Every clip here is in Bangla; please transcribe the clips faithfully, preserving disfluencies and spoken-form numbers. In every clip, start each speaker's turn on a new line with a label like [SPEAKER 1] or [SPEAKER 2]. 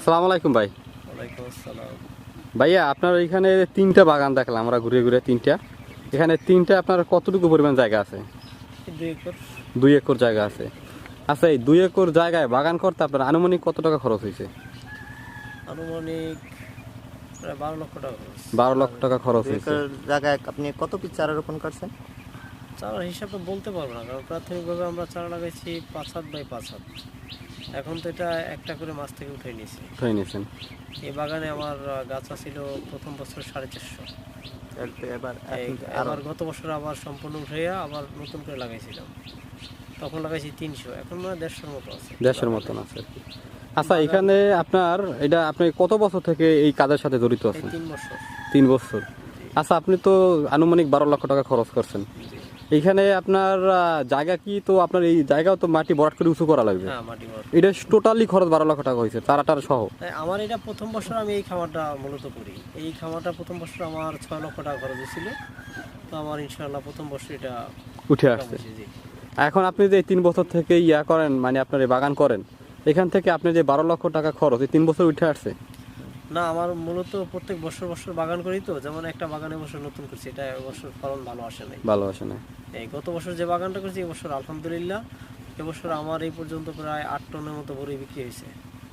[SPEAKER 1] আসসালামু আলাইকুম ভাই।
[SPEAKER 2] ওয়ালাইকুম আসসালাম।
[SPEAKER 1] ভাইয়া আপনার এখানে তিনটা বাগান দেখলাম আমরা ঘুরে ঘুরে, তিনটা এখানে তিনটা আপনার কতটুকু পরিমাণ জায়গা আছে?
[SPEAKER 2] দুই একর।
[SPEAKER 1] দুই একর জায়গা আছে। আচ্ছা, এই দুই একর জায়গায় বাগান করতে আপনার আনুমানিক কত টাকা খরচ হয়েছে?
[SPEAKER 2] আনুমানিক প্রায় বারো লক্ষ টাকা খরচ।
[SPEAKER 1] বারো লক্ষ টাকা খরচ
[SPEAKER 3] দুই
[SPEAKER 1] হয়েছে।
[SPEAKER 3] একর জায়গায় আপনি কত পিস চারা রোপণ করছেন?
[SPEAKER 2] চারার হিসাবে বলতে পারবো না, কারণ প্রাথমিকভাবে আমরা চারা লাগাইছি পাঁচ হাত বাই পাঁচ হাত। এখন তো এটা একটা করে মাছ থেকে উঠে নিয়েছি।
[SPEAKER 1] উঠাই নিয়েছেন।
[SPEAKER 2] এই বাগানে আমার আহ, গাছ ছিল প্রথম বছর সাড়ে চারশো।
[SPEAKER 3] এবার
[SPEAKER 2] এই
[SPEAKER 3] এখন আরো
[SPEAKER 2] আবার গত বছর আবার সম্পূর্ণ উঠাইয়া আবার নতুন করে লাগাইছিলাম। তখন লাগাইছি তিনশো, এখন মানে দেড়শোর মতো আছে।
[SPEAKER 1] দেশের মতন আছে আর কি। আচ্ছা, এখানে আপনার এটা আপনি কত বছর থেকে এই কাজের সাথে জড়িত
[SPEAKER 2] এই
[SPEAKER 1] আছেন?
[SPEAKER 2] তিন বছর।
[SPEAKER 1] তিন বছর। আচ্ছা, আপনি তো আনুমানিক বারো লক্ষ টাকা খরচ করছেন। এইখানে আপনার আহ, জায়গা কি, তো আপনার এই জায়গাও তো মাটি ভরাট করে উঁচু করা লাগবে।
[SPEAKER 2] হ্যাঁ, মাটি ভর।
[SPEAKER 1] এটা টোটালি খরচ বারো লক্ষ টাকা হয়েছে চারাটার সহ।
[SPEAKER 2] তাই আমার এটা প্রথম বছর আমি এই খামারটা মূলত করি। এই খামারটা প্রথম বছর আমার ছয় লক্ষ টাকা খরচ হয়েছিল। তো আমার ইনশাআল্লাহ প্রথম বছর এটা
[SPEAKER 1] উঠে
[SPEAKER 2] টাকা
[SPEAKER 1] আসছে।
[SPEAKER 2] হয়েছে, জি।
[SPEAKER 1] এখন আপনি যে তিন বছর থেকে ইয়া করেন, মানে আপনার এই বাগান করেন, এখান থেকে আপনি যে বারো লক্ষ টাকা খরচ এই তিন বছর উঠে আসছে।
[SPEAKER 2] না, আমার মূলত প্রত্যেক বছর বছর বাগান করি, তো যেমন একটা বাগানে বছর নতুন করছি, এটা এবছর ফলন ভালো আসে নাই।
[SPEAKER 1] ভালো আসে না।
[SPEAKER 2] এই গত বছর যে বাগানটা করছি এবছর আলহামদুলিল্লাহ, এবছর আমার এই পর্যন্ত প্রায় আট টনের মতো বড়ি বিক্রি হয়েছে।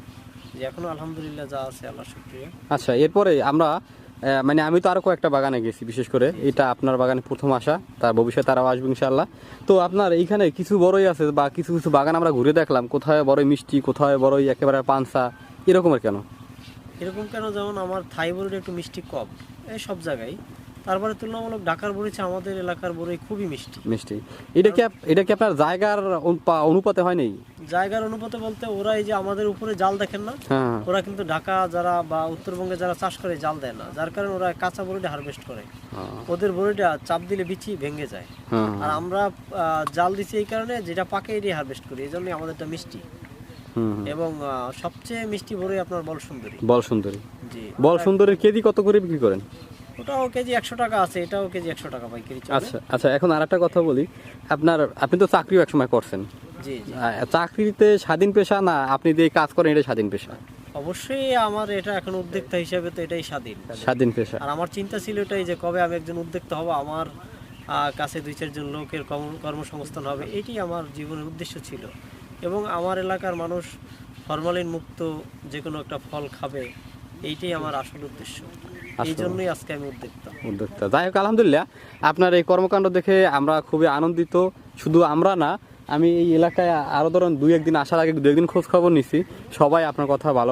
[SPEAKER 2] যে এখনো আলহামদুলিল্লাহ যা আছে আল্লাহ শুকরিয়া।
[SPEAKER 1] আচ্ছা, এরপরে আমরা আহ, মানে আমি তো আরো কয়েকটা বাগানে গেছি, বিশেষ করে এটা আপনার বাগানে প্রথম আসা, তার ভবিষ্যতে আরও আসবে ইনশাআল্লাহ। তো আপনার এইখানে কিছু বড়ই আছে বা কিছু কিছু বাগান আমরা ঘুরে দেখলাম, কোথায় বড়ই মিষ্টি, কোথায় বড়ই একেবারে পানসা, এরকমের কেন?
[SPEAKER 2] এরকম কেন, যেমন আমার থাই বড়িটা একটু মিষ্টি কম এই সব জায়গায়। তারপরে তুলনামূলক ঢাকার বড়ি চেয়ে আমাদের এলাকার বড়ি খুবই মিষ্টি।
[SPEAKER 1] মিষ্টি এটা কি আপ- এটা কি আপনার জায়গার অনুপা- অনুপাতে হয় নাই?
[SPEAKER 2] জায়গার অনুপাতে বলতে, ওরা এই যে আমাদের উপরে জাল দেখেন না,
[SPEAKER 1] হ্যাঁ,
[SPEAKER 2] ওরা কিন্তু ঢাকা যারা বা উত্তরবঙ্গে যারা চাষ করে জাল দেয় না, যার কারণে ওরা কাঁচা বড়িটা হারভেস্ট করে।
[SPEAKER 1] হ্যাঁ,
[SPEAKER 2] ওদের বড়িটা চাপ দিলে বিচি ভেঙে যায়।
[SPEAKER 1] হ্যাঁ,
[SPEAKER 2] আর আমরা আহ, জাল দিচ্ছি এই কারণে, যেটা পাকে এটাই হারভেস্ট করি, এই জন্যই আমাদেরটা মিষ্টি।
[SPEAKER 1] হুম, হুম।
[SPEAKER 2] এবং আহ, সবচেয়ে মিষ্টি বড়ি আপনার বল সুন্দরী।
[SPEAKER 1] বল সুন্দরী।
[SPEAKER 2] জি,
[SPEAKER 1] বল সুন্দরীর কেজি কত করে বিক্রি করেন?
[SPEAKER 2] ওটাও কেজি একশো টাকা আছে, এটাও কেজি একশো টাকা পাইকারি চলে।
[SPEAKER 1] আচ্ছা আচ্ছা, এখন আর একটা কথা বলি, আপনার আপনি তো চাকরিও একসময় করছেন।
[SPEAKER 2] জি জি,
[SPEAKER 1] আহ, চাকরিতে স্বাধীন পেশা না আপনি যে কাজ করেন এটা স্বাধীন পেশা?
[SPEAKER 2] অবশ্যই আমার এটা এখন উদ্যোক্তা হিসেবে তো এটাই স্বাধীন।
[SPEAKER 1] স্বাধীন পেশা।
[SPEAKER 2] আর আমার চিন্তা ছিল এটাই যে কবে আমি একজন উদ্যোক্তা হব, আমার আহ, কাছে দুই চারজন লোকের কর্ম- কর্মসংস্থান হবে, এটি আমার জীবনের উদ্দেশ্য ছিল। এবং আমার এলাকার মানুষ ফরমালিন মুক্ত যে কোনো একটা ফল খাবে, এইটাই আমার আসল উদ্দেশ্য। এই জন্যই আজকে আমি উদ্যোক্তা।
[SPEAKER 1] উদ্যোক্তা। যাই হোক, আলহামদুলিল্লাহ আপনার এই কর্মকাণ্ড দেখে আমরা খুবই আনন্দিত। শুধু আমরা না, আমি এই এলাকায় আরো ধরুন দুই একদিন আসার আগে দু একদিন খোঁজ খবর নিছি, সবাই আপনার কথা ভালো